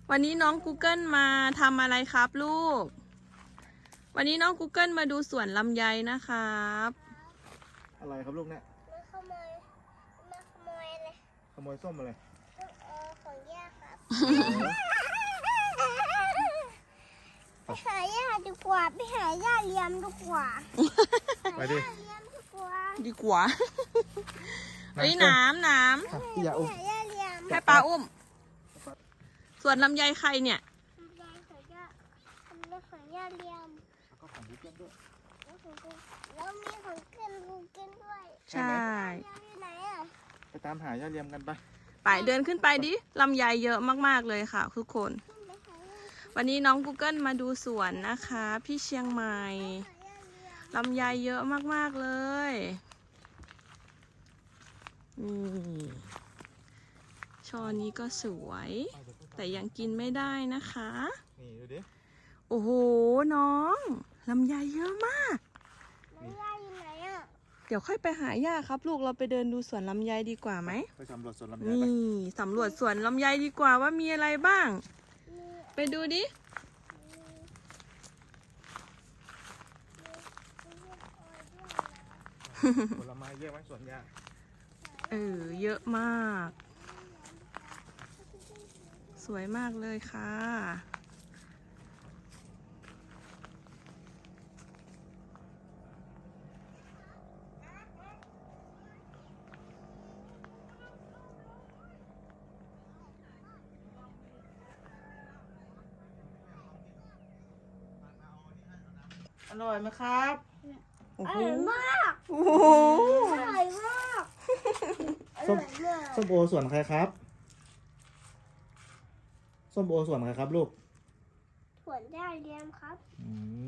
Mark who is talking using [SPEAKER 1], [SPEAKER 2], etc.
[SPEAKER 1] วันนี้น้อง Google มาทำอะไรครับลูก วันนี้น้อง Google มาดูสวนลำไยนะครับ
[SPEAKER 2] อะไรครับลูกเนี่ย
[SPEAKER 3] มาขโมยอะไร
[SPEAKER 2] ขโมยส้มอะไร
[SPEAKER 3] ของย่าครับ ไปหาย่าดีกว่าไปหาย่าเลี้ยมดีกว่า
[SPEAKER 2] ไปดิ
[SPEAKER 3] หาย่าเลี้ยมดีกว่า
[SPEAKER 1] ดีกว่าเฮ้ยน้ำ
[SPEAKER 2] พี่อย่าอุ้ม
[SPEAKER 3] หาย่าเลี้ยม
[SPEAKER 1] ให้ปลาอุ้มสวนลำไยใครเนี่ย
[SPEAKER 3] ยายของย่าทำเรื่องของย่าเลี้ยม
[SPEAKER 2] ก็ของพี่เพื่อนด้วย
[SPEAKER 3] แล้วมีของเกินลูกกินด้วย
[SPEAKER 1] ใช่
[SPEAKER 3] ย่าอยู่ไหนอ่ะ
[SPEAKER 2] ไปตามหาย่าเลียมกันไป
[SPEAKER 1] ไปเดินขึ้นไปดิลำไยเยอะมากๆเลยค่ะทุกคน
[SPEAKER 3] ขึ้นไปหาย่า
[SPEAKER 1] วันนี้น้อง Google มาดูสวนนะคะพี่เชียงใหม่
[SPEAKER 3] หาย่าเลี้ยม
[SPEAKER 1] ลำไยเยอะมากๆเลยนี่ช่อนี้ก็สวย แต่ยังกินไม่ได้นะคะ
[SPEAKER 2] นี่ดูดิ
[SPEAKER 1] โอ้โหน้องลำไยเยอะมาก
[SPEAKER 3] แล้วย่าอยู่ไหนอ่ะ
[SPEAKER 1] เดี๋ยวค่อยไปหาย่าครับลูกเราไปเดินดูสวนลำไยดีกว่าไหม
[SPEAKER 2] ไปสำรวจสวนลำไยไป
[SPEAKER 1] นี่สำรวจสวนลำไยดีกว่าว่ามีอะไรบ้าง
[SPEAKER 3] มี
[SPEAKER 1] ไปดูดิ
[SPEAKER 2] ผลไม้เยอะไหมสวนย่า
[SPEAKER 1] เยอะมาก สวยมากเลยค่ะ
[SPEAKER 4] อร่อยไหมครับ
[SPEAKER 1] โอ้
[SPEAKER 3] อ
[SPEAKER 1] โห
[SPEAKER 3] ร่อยมาก
[SPEAKER 1] โอ้โห
[SPEAKER 3] อร่อยมากอ
[SPEAKER 2] ส้ม
[SPEAKER 3] ร่อยมาก
[SPEAKER 2] ส้มโอสวนใครครับ ส้มโอสวนใครครับลูก
[SPEAKER 3] ถั่วย่าเลี้ยมครับ
[SPEAKER 2] อืม